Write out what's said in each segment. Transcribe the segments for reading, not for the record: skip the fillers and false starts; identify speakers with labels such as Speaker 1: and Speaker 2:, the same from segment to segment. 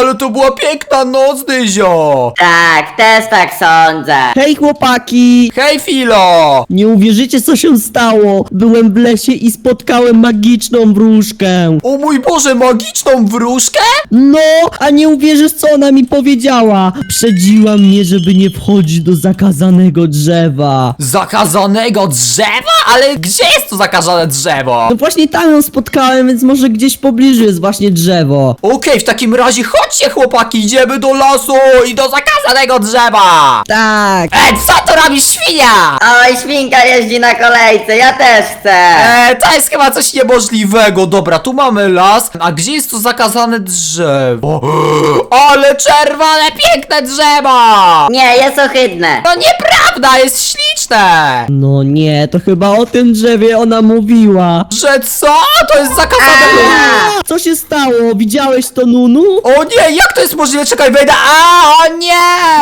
Speaker 1: ale to była piękna noc, Dyzio!
Speaker 2: Tak, też tak sądzę.
Speaker 3: Hej chłopaki!
Speaker 1: Hej, Filo!
Speaker 3: Nie uwierzycie co się stało. Byłem w lesie i spotkałem magiczną wróżkę.
Speaker 1: O mój Boże, magiczną wróżkę?
Speaker 3: No, a nie uwierzysz co ona mi powiedziała. Przedziła mnie, żeby nie wchodzić do zakazanego drzewa.
Speaker 1: Zakazanego drzewa? Ale gdzie jest to zakazane drzewo?
Speaker 3: No właśnie tam ją spotkałem, więc może gdzieś w pobliżu jest właśnie drzewo.
Speaker 1: Okej, w takim razie chodźcie, chłopaki, idziemy do lasu i do zakazanego drzewa!
Speaker 3: Tak.
Speaker 1: Co to robi świnia?
Speaker 2: Oj, świnka jeździ na kolejce, ja też chcę.
Speaker 1: To jest chyba coś niemożliwego. Dobra, tu mamy las. A gdzie jest to zakazane drzewo? Ale czerwone, piękne drzewo!
Speaker 2: Nie, jest ohydne.
Speaker 1: To nieprawda, jest śliczne!
Speaker 3: No nie, to chyba o tym drzewie ona mówiła.
Speaker 1: Że co? To jest zakazane...
Speaker 3: Co się stało? Widziałeś to, Nunu?
Speaker 1: O nie, jak to jest możliwe? Czekaj, wejdę. O nie!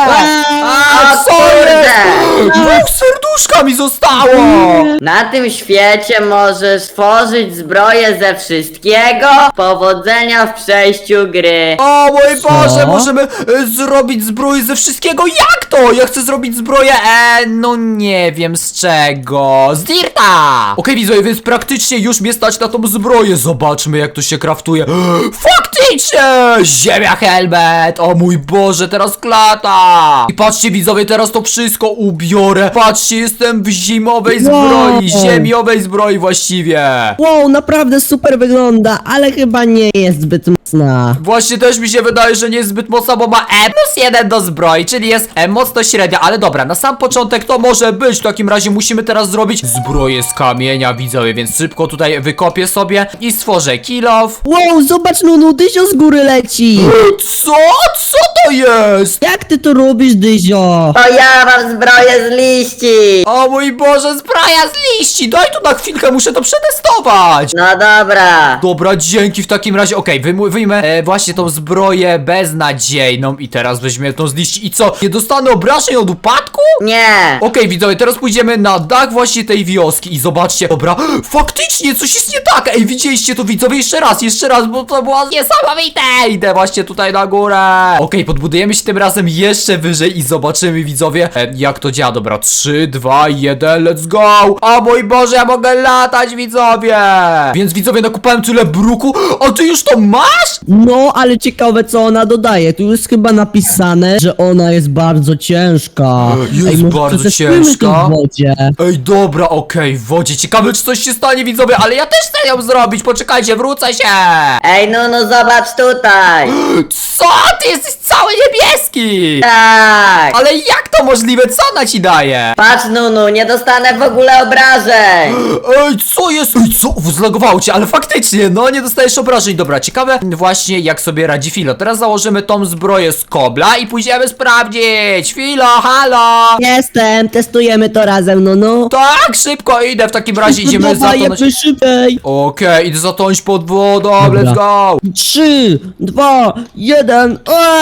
Speaker 2: O
Speaker 1: Co jest?
Speaker 2: kurde.
Speaker 1: Dwóch serduszka mi zostało!
Speaker 2: Na tym świecie możesz tworzyć zbroję ze wszystkiego. Powodzenia w przejściu gry.
Speaker 1: O mój
Speaker 3: Co?
Speaker 1: Boże, możemy zrobić zbroję ze wszystkiego. Jak to? Ja chcę zrobić zbroję, no nie wiem z czego. Z dirta! Okej, widzowie, więc praktycznie już mnie stać na tą zbroję. Zobaczmy, jak to się kraftuje. Faktycznie! Ziemia helmet! O mój Boże, teraz klata! I patrzcie, widzowie, teraz to wszystko ubiorę. Patrzcie, jestem w zimowej zbroi,
Speaker 3: Wow.
Speaker 1: ziemiowej zbroi właściwie.
Speaker 3: Wow, naprawdę super wygląda, ale chyba nie jest zbyt mocna.
Speaker 1: Właśnie też mi się wydaje, że nie jest zbyt mocna, bo ma +1 do zbroi, czyli jest mocno średnia, ale dobra, na sam początek to może być. W takim razie musimy teraz zrobić zbroję z kamienia, widzowie, więc szybko tutaj wykopię sobie i stworzę kill off.
Speaker 3: Wow, zobacz, Nunu, Dyzio z góry leci.
Speaker 1: Co? Co to jest?
Speaker 3: Jak ty to robisz, Dyzio?
Speaker 2: To ja mam zbroję z liści.
Speaker 1: O mój Boże, zbroja z liści, daj tu na chwilkę, muszę to przetestować.
Speaker 2: No dobra.
Speaker 1: Dobra, dzięki w takim razie. Okej, wyjmę właśnie tą zbroję beznadziejną i teraz weźmiemy tą z liści. I co? Nie dostanę obrażeń od upadku?
Speaker 2: Nie.
Speaker 1: Okej, widzowie, teraz pójdziemy na dach właśnie tej wioski i zobaczcie, dobra, faktycznie coś jest nie tak. Ej, widzieliście to, widzowie? Jeszcze raz, bo to było niesamowite. Idę właśnie tutaj na górę. Okej, podbudujemy się tym razem jeszcze wyżej i zobaczymy, widzowie, jak to działa. Dobra, 3, 2, 1, let's go. O mój Boże, ja mogę latać, widzowie. Więc widzowie, nakupałem tyle bruku, a ty już to masz?
Speaker 3: No, ale ciekawe co ona dodaje. Tu jest chyba napisane, że ona jest bardzo ciężka.
Speaker 1: Jest
Speaker 3: może
Speaker 1: bardzo
Speaker 3: przetestujmy
Speaker 1: ciężka?
Speaker 3: to w wodzie.
Speaker 1: Ej, dobra, okej, w wodzie. Ciekawe, czy coś się stanie, widzowie, ale ja też chcę ją zrobić. Poczekajcie, wrócę się.
Speaker 2: Ej, Nunu, zobacz tutaj.
Speaker 1: Co? Ty jesteś cały niebieski.
Speaker 2: Tak.
Speaker 1: Ale jak to możliwe? Co ona ci daje?
Speaker 2: Patrz, Nunu, nie dostanę w ogóle obrażeń.
Speaker 1: Ej, co jest? Ej, co? Zlagowało cię, ale faktycznie, no nie dostajesz obrażeń. Dobra, ciekawe właśnie jak sobie radzi Filo. Teraz założymy tą zbroję z kobla i pójdziemy sprawdzić. Filo, halo.
Speaker 3: Jestem, testujemy to razem, Nunu.
Speaker 1: Tak, szybko idę. W takim razie idziemy
Speaker 3: Dawaj,
Speaker 1: zatonąć.
Speaker 3: jakby szybciej.
Speaker 1: Okej, idę zatonąć pod wodą,
Speaker 3: Dobra.
Speaker 1: let's go.
Speaker 3: 3, 2, 1.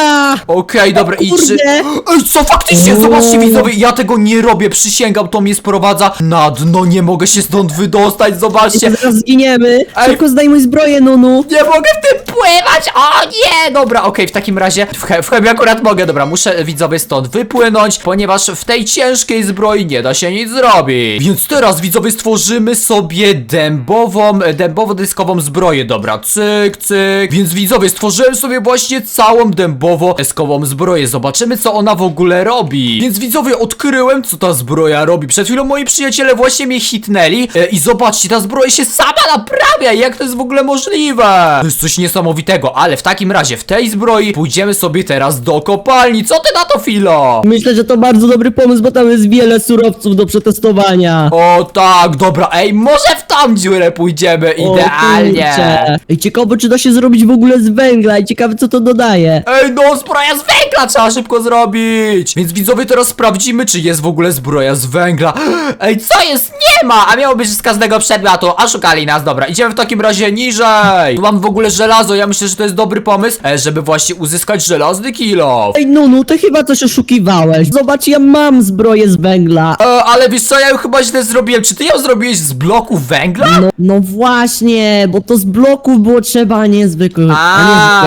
Speaker 1: Okej, dobra, i
Speaker 3: kurde.
Speaker 1: Ej, co faktycznie, zobaczcie, widzowie, ja tego nie robię, przysięgam, to mnie sprowadza na dno, nie mogę się stąd wydostać, zobaczcie.
Speaker 3: Zaraz zginiemy.
Speaker 1: Ej.
Speaker 3: Szybko zdejmuj zbroję, Nunu.
Speaker 1: Nie mogę w tym pływać, o nie, dobra, okej, w takim razie, w chemii akurat mogę, dobra, muszę, widzowie, stąd wypłynąć, ponieważ w tej ciężkiej zbroi nie da się nic zrobić. Więc teraz, widzowie, stworzymy sobie dębowo-dyskową zbroję, dobra, cyk, cyk. Więc, widzowie, stworzyłem sobie właśnie całą dębowo-dyskową zbroję, zobaczymy, co ona w ogóle robi. Więc, widzowie, odkryłem, co ta zbroja robi. Przed chwilą moi przyjaciele właśnie mnie hitnęli i zobaczcie, ta zbroja się sama naprawia, jak to jest w ogóle możliwe? To jest coś niesamowitego, ale w takim razie w tej zbroi pójdziemy sobie teraz do kopalni. Co ty na to, Filo?
Speaker 3: Myślę, że to bardzo dobry pomysł, bo tam jest wiele surowców do przetestowania.
Speaker 1: O tak, dobra, ej, może w tą dziurę pójdziemy idealnie.
Speaker 3: kurczę. Ej, ciekawe, czy da się zrobić w ogóle z węgla i ciekawe, co to dodaje.
Speaker 1: Ej, no, zbroja z węgla trzeba szybko zrobić. Więc widzowie, teraz sprawdzimy, czy jest w ogóle zbroja z węgla. Ej, co jest? Nie ma, a miało być z każdego przedmiotu. Oszukali nas, dobra, idziemy w takim razie niżej. Tu mam w ogóle żelazo, ja myślę, że to jest dobry pomysł, żeby właśnie uzyskać żelazny kilo.
Speaker 3: Ej, Nunu, ty chyba coś oszukiwałeś. Zobacz, ja mam zbroję z węgla.
Speaker 1: Ale wiesz co, ja ją chyba źle zrobiłem. Czy ty ją zrobiłeś z bloku węgla?
Speaker 3: No właśnie, bo to z bloków było trzeba, a nie zwykłych.
Speaker 1: No dobra, w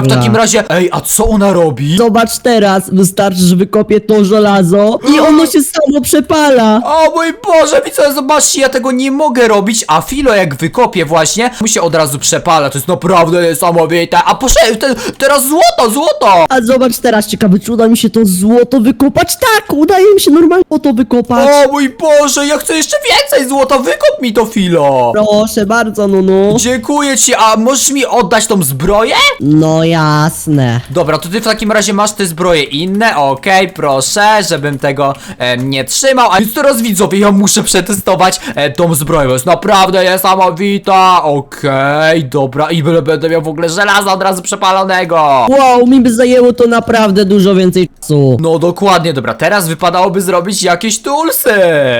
Speaker 1: w takim razie... Ej, a co ona robi?
Speaker 3: Zobacz teraz, wystarczy, że wykopię to żelazo i ono się samo przepala.
Speaker 1: O mój Boże, widzowie, zobaczcie, ja tego nie mogę robić, a Filo jak wykopię właśnie, mu się od razu przepala, to jest naprawdę niesamowite. A proszę, teraz złoto!
Speaker 3: A zobacz teraz, ciekawe, czy uda mi się to złoto wykopać? Tak, udaje mi się normalnie to wykopać.
Speaker 1: O mój Boże, ja chcę jeszcze więcej złota, wykop mi to, Filo!
Speaker 3: Proszę bardzo, Nunu.
Speaker 1: Dziękuję ci, a możesz mi oddać tą zbroję?
Speaker 3: No jasne.
Speaker 1: Dobra, to ty w takim razie masz te zbroje inne, okej, proszę, żebym tego nie trzymał. A więc teraz widzowie, ja muszę przetestować tą zbroję, bo jest naprawdę niesamowita. Okej, dobra, i będę miał w ogóle żelaza od razu przepalonego.
Speaker 3: Wow, mi by zajęło to naprawdę dużo więcej czasu.
Speaker 1: No dokładnie, dobra, teraz wypadałoby zrobić jakieś toolsy.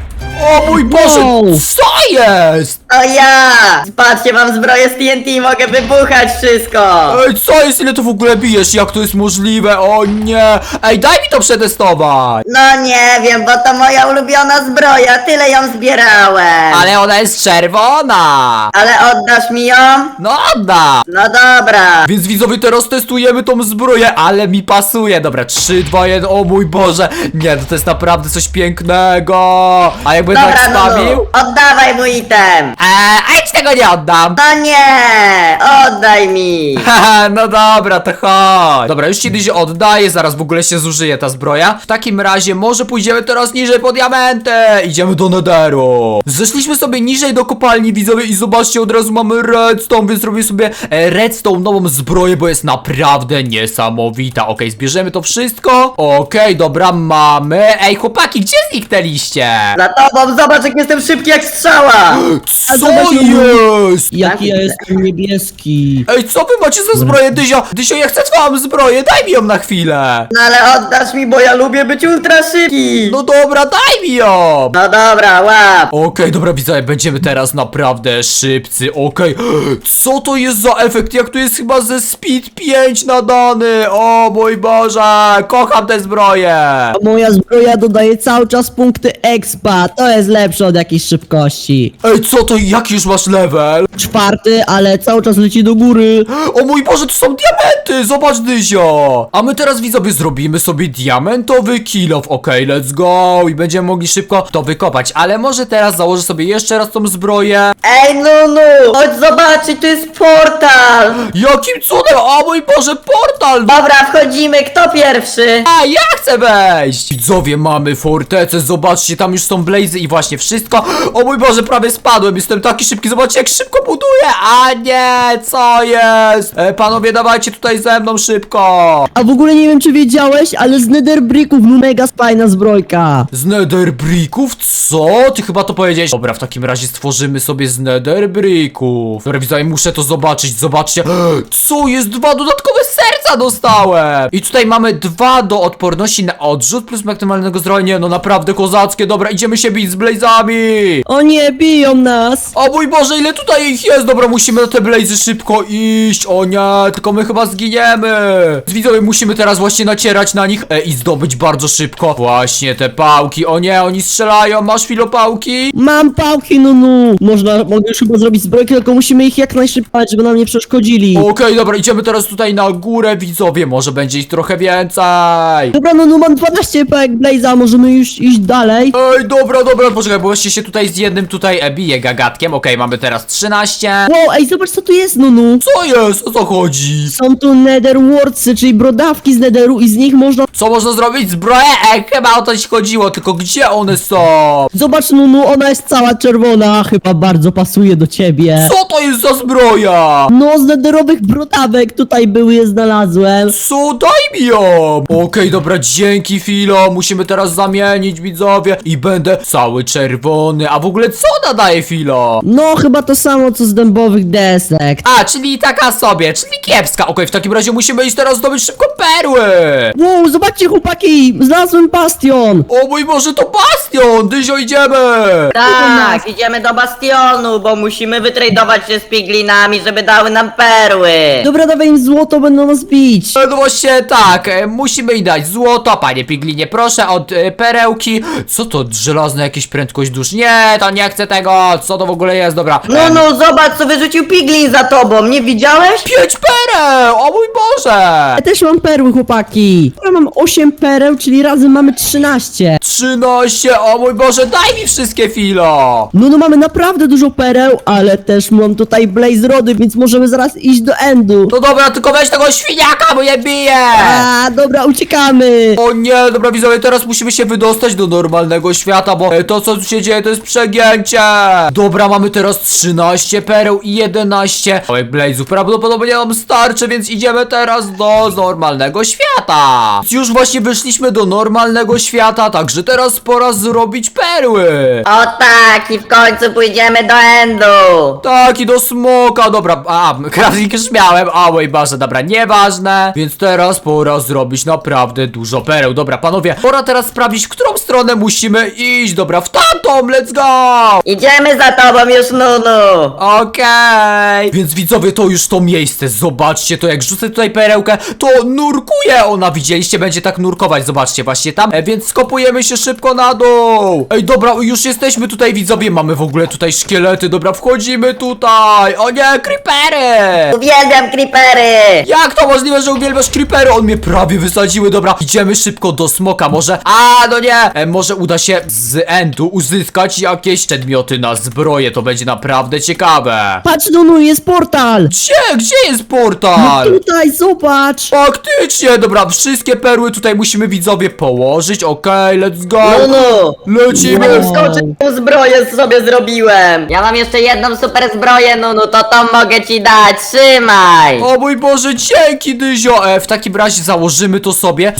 Speaker 1: O mój Boże,
Speaker 3: Wow.
Speaker 1: co jest?
Speaker 2: O ja! Patrzcie, mam zbroję z TNT i mogę wybuchać wszystko!
Speaker 1: Ej, co jest, ile to w ogóle bijesz, jak to jest możliwe, o nie. Ej, daj mi to przetestować.
Speaker 2: No nie wiem, bo to moja ulubiona zbroja, tyle ją zbierałem!
Speaker 1: Ale ona jest czerwona.
Speaker 2: Ale oddasz mi ją?
Speaker 1: No oddam.
Speaker 2: No dobra!
Speaker 1: Więc widzowie, teraz testujemy tą zbroję, ale mi pasuje. Dobra, 3, 2, 1, o mój Boże. Nie, to jest naprawdę coś pięknego. A jakby tak
Speaker 2: Dobra,
Speaker 1: stawił?
Speaker 2: Nunu, oddawaj mój item!
Speaker 1: A ja ci tego nie oddam.
Speaker 2: No nie! Oddaj mi!
Speaker 1: Haha, no dobra, to chodź. Dobra, już kiedyś oddaję, zaraz w ogóle się zużyje ta zbroja. W takim razie może pójdziemy teraz niżej po diamenty. Idziemy do Netheru. Zeszliśmy sobie niżej do kopalni, widzowie, i zobaczcie, od razu mamy redstone, więc zrobię sobie redstone nową zbroję, bo jest naprawdę niesamowita. Okej, zbierzemy to wszystko. Okej, dobra, mamy. Ej, chłopaki, gdzie zniknęliście?
Speaker 2: Za tobą, zobacz jak jestem szybki jak strzała!
Speaker 1: Co
Speaker 3: zobacz,
Speaker 1: jest?
Speaker 3: Jaki ja jestem niebieski.
Speaker 1: Ej, co wy macie za zbroję, Dyzio? Dyzio, ja chcę twoją zbroję, daj mi ją na chwilę.
Speaker 2: No ale oddasz mi, bo ja lubię być ultra szybki!
Speaker 1: No dobra, daj mi ją.
Speaker 2: No dobra, łap!
Speaker 1: Okej, dobra, widzowie, będziemy teraz naprawdę szybcy, okej. Co to jest za efekt? Jak tu jest chyba ze Speed 5 nadany? O mój Boże, kocham tę zbroję.
Speaker 3: A moja zbroja dodaje cały czas punkty expa. To jest lepsze od jakiejś szybkości.
Speaker 1: Ej, co to, jaki już masz level?
Speaker 3: 4, ale cały czas leci do góry.
Speaker 1: O mój Boże, to są diamenty, zobacz, Dyzio. A my teraz, widzowie, zrobimy sobie diamentowy kill off, okej, let's go. I będziemy mogli szybko to wykopać, ale może teraz założę sobie jeszcze raz tą zbroję.
Speaker 2: Ej Nunu! Chodź zobaczyć, tu jest portal!
Speaker 1: Jakim cudem, o mój Boże, portal.
Speaker 2: Dobra, wchodzimy, kto pierwszy?
Speaker 1: A ja chcę wejść! Widzowie, mamy fortecę, zobaczcie, tam już są blazy i właśnie wszystko. O mój Boże, prawie spadłem, jestem taki szybki, zobaczcie jak szybko buduję. A nie, co jest? Panowie, dawajcie tutaj ze mną szybko.
Speaker 3: A w ogóle nie wiem, czy wiedziałeś, ale z nether bricków mega fajna zbrojka.
Speaker 1: Z nether bricków? Co? Ty chyba to powiedziałeś. Dobra, w takim razie stworzymy sobie z nether bricków. Dobra, widzowie, muszę to zobaczyć, zobaczcie. Co jest? 2 dodatkowe serca dostałem. I tutaj mamy 2 do odporności na odrzut plus maksymalnego zdrowia. Nie, no naprawdę kozackie. Dobra, idziemy się bić z blazami.
Speaker 3: O nie, biją nas.
Speaker 1: O mój Boże, ile tutaj ich jest? Dobra, musimy na te blazy szybko iść. O nie, tylko my chyba zginiemy. Widzowie, musimy teraz właśnie nacierać na nich i zdobyć bardzo szybko właśnie te pałki. O nie, oni strzelają. Masz filopałki?
Speaker 3: Mam pałki, Nunu. Mogę już chyba zrobić zbrojkę, tylko musimy ich jak najszybciej, żeby nam nie przeszkodzili.
Speaker 1: Okej, dobra, idziemy teraz tutaj na górę, widzowie. Może będzie ich trochę więcej.
Speaker 3: Dobra, Nunu, mam 12 pałek Blaze'a, możemy już iść dalej.
Speaker 1: Ej, dobra, poczekaj, bo właśnie się tutaj z jednym tutaj bije gagatkiem. Okej, mamy teraz 13.
Speaker 3: Wow, ej, zobacz co tu jest, Nunu.
Speaker 1: Co jest? O co chodzi?
Speaker 3: Są tu nether wartsy, czyli brodawki z netheru i z nich można...
Speaker 1: Co można zrobić? Zbroję? Chyba o to ci chodziło, tylko gdzie one są?
Speaker 3: Zobacz, Nunu, ona jest cała czerwona, chyba bardzo pasuje do ciebie.
Speaker 1: Co to jest za zbroja?
Speaker 3: No, z netherowych brodawek tutaj były, je znalazłem.
Speaker 1: Co? Daj mi ją! Okej, dobra, dzięki Filo. Musimy teraz zamienić, widzowie. I będę cały czerwony. A w ogóle co ona daje, Filo?
Speaker 3: No, chyba to samo co z dębowych desek.
Speaker 1: A, czyli taka sobie, czyli kiepska. Okej, w takim razie musimy iść teraz zdobyć szybko perły!
Speaker 3: Wow, zobaczcie chłopaki, znalazłem bastion.
Speaker 1: O mój Boże, to bastion! Dyzio, idziemy!
Speaker 2: Tak, idziemy do bastionu, bo musimy wytradować się z piglinami, żeby dały nam perły.
Speaker 3: Dobra, dawaj im złoto, będą nas bić.
Speaker 1: No właśnie tak, musimy im dać złoto, panie Piglinie, proszę od perełki. Co to, żelazna jakieś prędkość dusz? Nie, to nie chcę tego, co to w ogóle jest, dobra.
Speaker 2: No, zobacz co wyrzucił piglin za tobą, nie widziałeś?
Speaker 1: 5 pereł, o mój Boże!
Speaker 3: Ja też mam perły, chłopaki. Ja mam 8 pereł, czyli razem mamy 13.
Speaker 1: 13, o mój Boże, daj mi wszystkie, Filo!
Speaker 3: No, mamy naprawdę dużo pereł, ale też mam tutaj Blaze Rody, więc możemy zaraz iść do Endu.
Speaker 1: No dobra, tylko weź tego świniaka, bo je bije!
Speaker 3: A, dobra, uciekamy.
Speaker 1: O nie, dobra widzowie, teraz musimy się wydostać do normalnego świata, bo to co tu się dzieje to jest przegięcie. Dobra, mamy teraz 13 pereł i 11 małych blazów, prawdopodobnie nam starczy, więc idziemy teraz do normalnego świata. Już właśnie wyszliśmy do normalnego świata, także teraz pora zrobić perły.
Speaker 2: O tak, i w końcu pójdziemy do Endu.
Speaker 1: Tak, i do smoka, dobra, crafting już miałem, o mój Boże, dobra, nieważne. Więc teraz pora zrobić naprawdę dużo pereł, dobra, panowie, pora teraz sprawdzić, w którą stronę musimy iść, dobra, w tamtą, let's go!
Speaker 2: Idziemy za tobą już, Nunu.
Speaker 1: Okej. Więc widzowie, to już to miejsce, zobaczcie to, jak rzucę tutaj perełkę, to nurkuje ona, widzieliście, będzie tak nurkować, zobaczcie, właśnie tam, więc skopujemy się szybko na dół. Ej, dobra, już jesteśmy tutaj, widzowie, mamy w ogóle tutaj szkielety, dobra, wchodzimy tutaj, o nie, creepery!
Speaker 2: Uwielbiam creepery.
Speaker 1: Jak to możliwe, że uwielbiasz creepery? On mnie prawie wysadziły, dobra, idziemy szybko do smoka, może, no nie, może uda się z endu uzyskać jakieś przedmioty na zbroję, to będzie naprawdę ciekawe.
Speaker 3: Patrz, Nunu, jest portal.
Speaker 1: Gdzie jest portal?
Speaker 3: Tutaj, zobacz.
Speaker 1: Faktycznie, dobra, wszystkie perły tutaj musimy widzowie położyć, okej, let's go.
Speaker 2: Nunu.
Speaker 1: Lecimy.
Speaker 2: Nie wskoczyć, tą zbroję sobie zrobiłem. Ja mam jeszcze jedną super zbroję, Nunu, to tą mogę ci dać, trzymaj.
Speaker 1: O mój Boże, dzięki Dyzio! W takim razie założymy to sobie.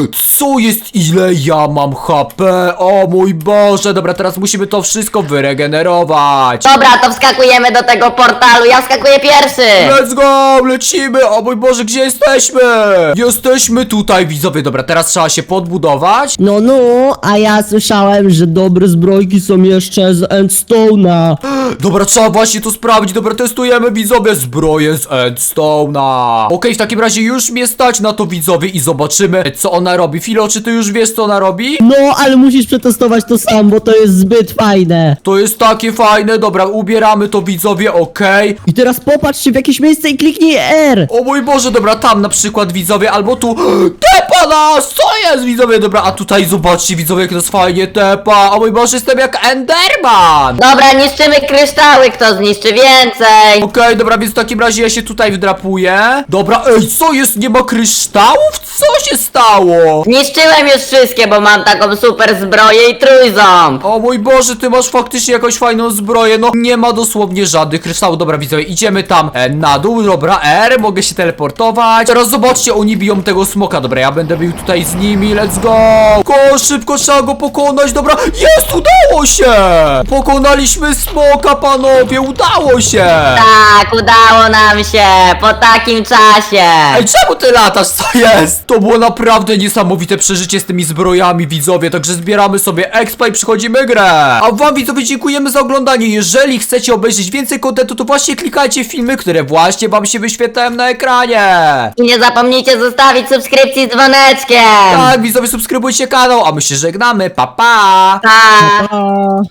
Speaker 1: Co jest, ile ja mam HP? O mój Boże, dobra, teraz musimy to wszystko wyregenerować.
Speaker 2: Dobra, to wskakujemy do tego portalu, ja wskakuję pierwszy.
Speaker 1: Let's go, lecimy! O mój Boże, gdzie jesteśmy? Jesteśmy tutaj, widzowie, dobra, teraz trzeba się podbudować.
Speaker 3: No, a ja słyszałem, że dobre zbrojki są jeszcze z Endstone'a.
Speaker 1: Dobra, trzeba właśnie to sprawdzić, dobra, testujemy, widzowie, zbroję z Endstone'a. Okej, w takim razie już mnie stać na to, widzowie, i zobaczymy, co ona robi. Filo, czy ty już wiesz, co ona robi?
Speaker 3: No, ale musisz przetestować to sam, bo to jest zbyt fajne.
Speaker 1: To jest takie fajne, dobra, ubieramy to, widzowie, okej.
Speaker 3: I teraz popatrz się w jakieś miejsce i kliknij R.
Speaker 1: O mój Boże, dobra, tam na przykład, widzowie, albo tu. Tepa nas! Co jest, widzowie, dobra, a tutaj zobaczcie, widzowie, jak nas fajnie tepa. O mój Boże, jestem jak Enderman.
Speaker 2: Dobra, niszczymy kryształy, kto zniszczy więcej.
Speaker 1: Okej, dobra, więc w takim razie ja się tutaj wdrapuję. Dobra, ej, co jest? Nie ma kryształów? Co się stało?
Speaker 2: Zniszczyłem już wszystkie, bo mam taką super zbroję i trójząb.
Speaker 1: O mój Boże, ty masz faktycznie jakąś fajną zbroję. No, nie ma dosłownie żadnych kryształów. Dobra, widzowie, idziemy tam na dół. Dobra, R, mogę się teleportować. Teraz zobaczcie, oni biją tego smoka. Dobra, ja będę bił tutaj z nimi. Let's go! Szybko trzeba go pokonać. Dobra, jest, udało się! Pokonaliśmy smoka, panowie, udało się!
Speaker 2: Tak, udało nam się, po takim czasie.
Speaker 1: Ej, czemu ty latasz? Co jest? To było naprawdę niesamowite przeżycie z tymi zbrojami, widzowie, także zbieramy sobie expa i przychodzimy grę. A wam, widzowie, dziękujemy za oglądanie. Jeżeli chcecie obejrzeć więcej kontentu, to właśnie klikajcie w filmy, które właśnie wam się wyświetlają na ekranie.
Speaker 2: I nie zapomnijcie zostawić subskrypcji z dzwoneczkiem.
Speaker 1: Tak, widzowie, subskrybujcie kanał, a my się żegnamy. Pa, pa!
Speaker 2: Pa.
Speaker 3: A...